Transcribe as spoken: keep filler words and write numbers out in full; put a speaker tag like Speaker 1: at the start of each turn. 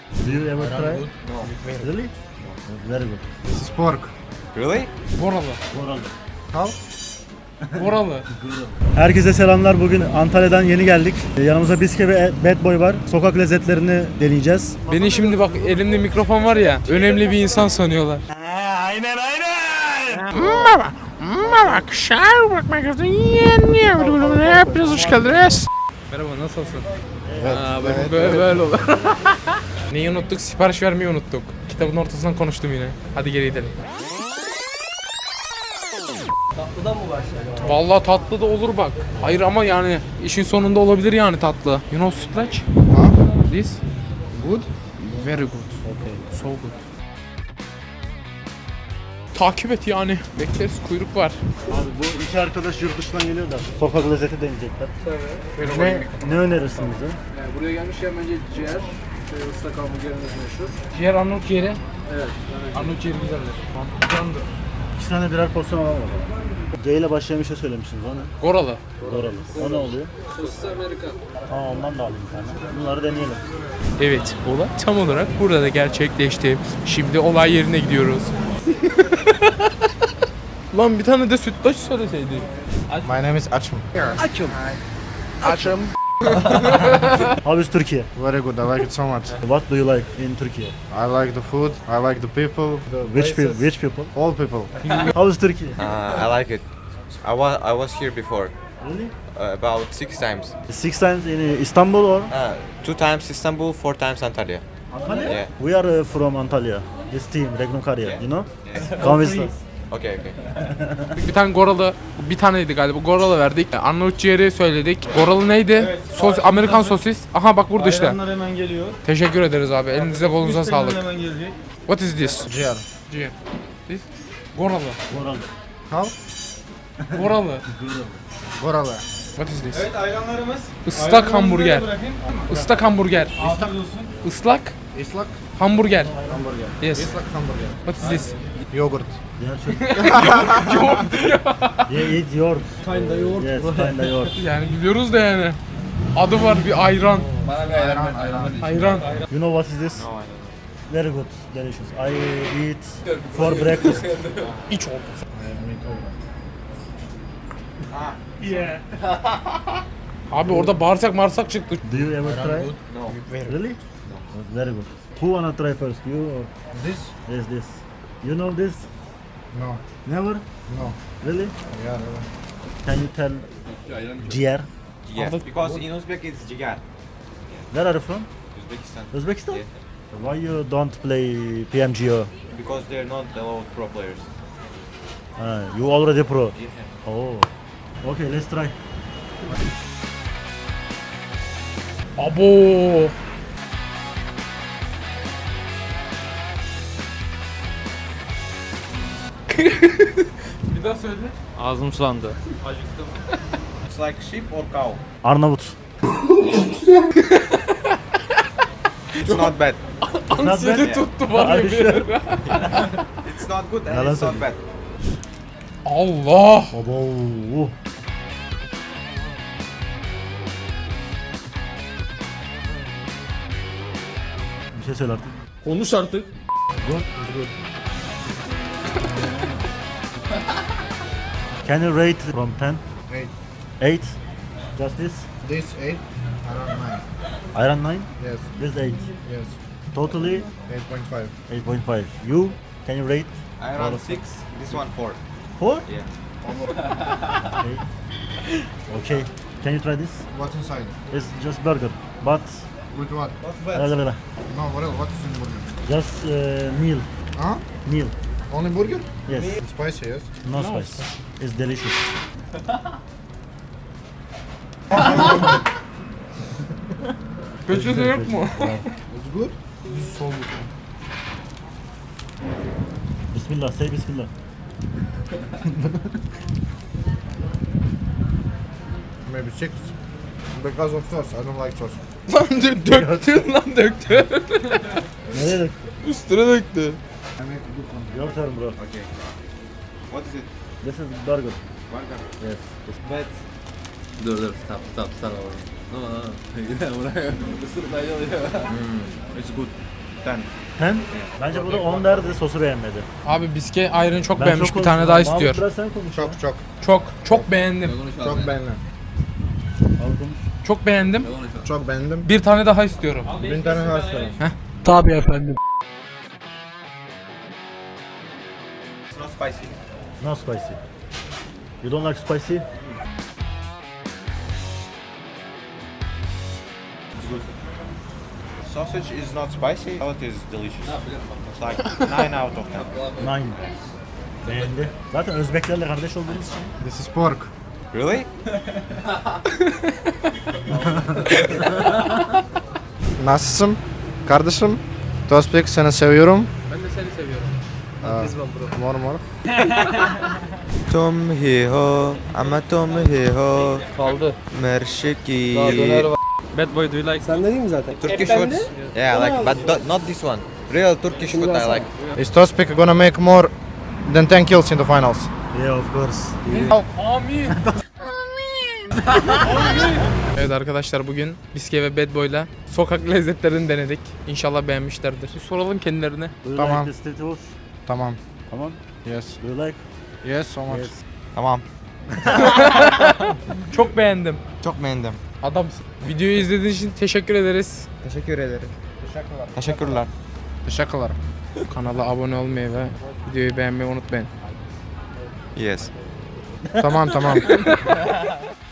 Speaker 1: Do you ever try?
Speaker 2: No.
Speaker 1: Really? No. Very good.
Speaker 3: This is pork.
Speaker 2: Really?
Speaker 4: Boralı.
Speaker 1: Moral.
Speaker 3: How?
Speaker 4: Boralı.
Speaker 1: Herkese selamlar. Bugün Antalya'dan yeni geldik. Yanımızda Biske ve Bad Boy var. Sokak lezzetlerini deneyeceğiz.
Speaker 4: Beni şimdi bak elimde mikrofon var ya, önemli bir insan sanıyorlar. Merhaba. Merhaba. Kışar bakmak üzere. Hepiniz hoş geldiniz. Merhaba, nasılsın? Aa, böyle, böyle, böyle olur. Neyi unuttuk? Sipariş vermeyi unuttuk. Kitabın ortasından konuştum yine. Hadi geri gidelim.
Speaker 5: Tatlıdan mı başlayalım?
Speaker 4: Vallahi tatlı da olur bak. Hayır ama yani işin sonunda olabilir yani tatlı. You know sütlaç?
Speaker 3: Huh?
Speaker 4: This?
Speaker 3: Good?
Speaker 4: Very good. Okay. So good. Takip et yani. Bekleriz, kuyruk var.
Speaker 1: Abi bu iki arkadaş yurt dışından geliyor da sokak lezzeti deneyecekler.
Speaker 5: Tabii.
Speaker 1: Ne, ne önerirsin bize?
Speaker 5: Yani buraya gelmişken bence ciğer, şey, ıslak hamburgerimiz meşhur.
Speaker 4: Ciğer Arnavut ciğeri.
Speaker 5: Evet.
Speaker 4: Arnavut ciğeri güzeldir. Candır.
Speaker 1: İki tane birer porsiyon alalım. C ile başlayan bir şey söylemişsiniz o ne?
Speaker 4: Goralı.
Speaker 1: Doralı. O ne oluyor?
Speaker 5: Sosis Amerikan.
Speaker 1: Aa ondan da alayım bir tane. Bunları deneyelim.
Speaker 4: Evet, olay tam olarak burada da gerçekleşti. Şimdi olay yerine gidiyoruz. Lan bir tane de sütlaç söyleseydi.
Speaker 3: My name is Achim.
Speaker 5: Açım.
Speaker 3: Achim.
Speaker 1: How is Turkey?
Speaker 3: Very good. I like it so much.
Speaker 1: What do you like in Turkey?
Speaker 3: I like the food. I like the people. The
Speaker 1: Which people?
Speaker 3: places.
Speaker 1: Which people?
Speaker 3: All people.
Speaker 1: How is Turkey?
Speaker 2: Uh, I like it. I was I was here before,
Speaker 1: Really?
Speaker 2: uh, about six times.
Speaker 1: Six times in Istanbul or?
Speaker 2: Uh, two times Istanbul, four times Antalya.
Speaker 1: Antalya?
Speaker 2: Yeah.
Speaker 1: We are uh, from Antalya. This team, Regnum Karya,
Speaker 2: Yeah.
Speaker 1: you know?
Speaker 2: Yeah.
Speaker 1: Come with us.
Speaker 2: Okay, okay.
Speaker 4: Bir tane goralı, bir taneydi galiba. Goralı verdik. Arnavut ciğeri söyledik. Goralı neydi? Sos, Amerikan sosis. Aha bak burada işte.
Speaker 5: Ayranlar hemen geliyor.
Speaker 4: Teşekkür ederiz abi. Elinize kolunuza sağlık.
Speaker 5: Hemen gelecek.
Speaker 4: What is this?
Speaker 3: G R.
Speaker 4: Ciğer. This? Goralı.
Speaker 1: Moral.
Speaker 3: How?
Speaker 4: Goralı.
Speaker 3: Gorala.
Speaker 4: What is this?
Speaker 5: Evet ayranlarımız.
Speaker 4: Islak
Speaker 5: Ayranlarınızı
Speaker 4: hamburger.
Speaker 5: da bırakın.
Speaker 4: Islak hamburger.
Speaker 5: Afiyet olsun.
Speaker 4: Islak
Speaker 3: Islak
Speaker 4: hamburger.
Speaker 3: hamburger.
Speaker 4: Yes.
Speaker 3: Islak hamburger.
Speaker 4: What is this?
Speaker 3: Yogurt.
Speaker 1: Yeah, eat yours.
Speaker 5: Kinda yoğurt.
Speaker 1: Yes, kinda yours.
Speaker 4: Yani biliyoruz da yani. Adı var bir ayran.
Speaker 5: Bana bir ayran ver.
Speaker 4: Ayran.
Speaker 1: You know what is this?
Speaker 2: No, I don't.
Speaker 1: Very good, delicious. I eat for breakfast.
Speaker 4: İç oldu. Abi orada bağırsak marsak çıktı.
Speaker 1: Do you ever try?
Speaker 2: No.
Speaker 1: Really? Very good. Who wanna try first? You or
Speaker 3: This?
Speaker 1: yes, this? You know this?
Speaker 3: No.
Speaker 1: Never?
Speaker 3: No.
Speaker 1: Really?
Speaker 3: Yeah.
Speaker 1: Can you tell ciğer?
Speaker 2: Yeah.
Speaker 4: Aldık.
Speaker 2: Because in Uzbek it's jigar.
Speaker 1: Where are you from?
Speaker 2: Uzbekistan.
Speaker 1: Uzbekistan?
Speaker 2: Yeah.
Speaker 1: Why you don't play P M G O?
Speaker 2: Because they're not allowed pro players.
Speaker 1: Ah, you already pro.
Speaker 2: Yeah.
Speaker 1: Oh. Okay, let's try.
Speaker 4: Abo. Bir daha söyle.
Speaker 5: Ağzım sulandı.
Speaker 2: It's like sheep or cow.
Speaker 1: Arnavut.
Speaker 2: It's not bad.
Speaker 4: Ansiyete
Speaker 1: bad.
Speaker 4: tuttu var ya
Speaker 1: Hadi
Speaker 4: bir
Speaker 1: şu-
Speaker 4: ara.
Speaker 2: It's not good and
Speaker 1: Yalan
Speaker 2: it's not
Speaker 1: söylüyor.
Speaker 2: bad.
Speaker 4: Allah.
Speaker 1: Abo. Bir şey söyle artık.
Speaker 5: Konuş artık.
Speaker 1: Good. Good. Can you rate from ten?
Speaker 3: Eight.
Speaker 1: eight? Just this?
Speaker 3: This eight. Around nine.
Speaker 1: Iron nine?
Speaker 3: Yes.
Speaker 1: This eight.
Speaker 3: Yes.
Speaker 1: Totally
Speaker 3: Eight point five.
Speaker 1: eight point five. You? Can you rate?
Speaker 2: I around six. This one four.
Speaker 1: four?
Speaker 2: Yeah.
Speaker 1: Okay. Okay. Can you try this?
Speaker 3: What's inside?
Speaker 1: It's just burger. But
Speaker 3: With what?
Speaker 1: la, la, la, la.
Speaker 3: No. What else? What is in burger?
Speaker 1: Just uh, meal.
Speaker 3: Huh?
Speaker 1: Meal.
Speaker 3: Only burger?
Speaker 1: Yes.
Speaker 3: It's spicy. Yes.
Speaker 1: No spice. It's delicious.
Speaker 4: Peçete yok mu?
Speaker 3: It's good.
Speaker 1: Bismillah. Say Bismillah.
Speaker 3: Maybe six. Because of sauce. I don't like sauce.
Speaker 4: Lan dö- döktün lan döktün.
Speaker 1: Nereye dök?
Speaker 4: Üstüne döktü.
Speaker 3: I make a good one.
Speaker 1: Your turn bro.
Speaker 2: Okay. What is it?
Speaker 1: This is burger.
Speaker 2: Burger.
Speaker 1: Yes. It's
Speaker 2: Bad.
Speaker 5: Dur dur stop stop stop. No no no. Yine buraya ısırık oluyor.
Speaker 2: It's good. ten.
Speaker 1: Ten? Bence burada on derdi, sosu beğenmedi.
Speaker 4: Abi biske ayrını çok
Speaker 1: Ben
Speaker 4: beğenmiş,
Speaker 1: çok
Speaker 4: bir tane
Speaker 1: konuştum.
Speaker 4: daha
Speaker 1: Mahmut,
Speaker 4: istiyor.
Speaker 1: biraz sen konuş.
Speaker 3: Çok çok.
Speaker 4: Çok çok beğendim.
Speaker 3: Çok beğendim.
Speaker 1: Al konuş.
Speaker 4: Çok beğendim.
Speaker 3: Çok beğendim.
Speaker 4: Bir tane daha istiyorum.
Speaker 3: Bir tane daha istiyorum.
Speaker 5: Tabii efendim.
Speaker 2: It's not spicy.
Speaker 1: No spicy. You don't like spicy?
Speaker 2: It's good. Sausage is not spicy. Salad is delicious. It's like nine out of ten.
Speaker 1: Nine. Beğendi. Zaten Özbeklerle kardeş olduğumuz için.
Speaker 3: This is pork.
Speaker 2: Really?
Speaker 3: Nasılsın? Kardeşim. Tospik seni seviyorum.
Speaker 4: Ben de seni seviyorum.
Speaker 3: Mor mor.
Speaker 2: Tom hi ho, ama tom hi ho,
Speaker 5: Kaldı.
Speaker 2: mershiki.
Speaker 5: Bad boy do you like? Sen dedin mi zaten?
Speaker 2: Turkish foods? Yeah, like, but do- not this one. Real Turkish food I like.
Speaker 3: Is Tospik gonna make more than ten kills in the finals?
Speaker 1: Yeah, of course.
Speaker 4: Amin. Evet arkadaşlar, bugün Biske ve Bad Boy'la sokak lezzetlerini denedik. İnşallah beğenmişlerdir. Bir soralım kendilerine.
Speaker 1: Do you
Speaker 3: Tamam.
Speaker 1: like the street foods?
Speaker 3: Tamam.
Speaker 1: Tamam.
Speaker 3: Yes.
Speaker 1: Do you like?
Speaker 3: Yes, so much.
Speaker 1: Yes.
Speaker 2: Tamam.
Speaker 4: Çok beğendim.
Speaker 2: Çok beğendim.
Speaker 4: Adamsın. Videoyu izlediğiniz için teşekkür ederiz.
Speaker 2: Teşekkür ederim. Teşekkürler.
Speaker 3: Teşekkürler.
Speaker 4: Kanala abone olmayı ve videoyu beğenmeyi unutmayın.
Speaker 2: Yes.
Speaker 3: Tamam tamam.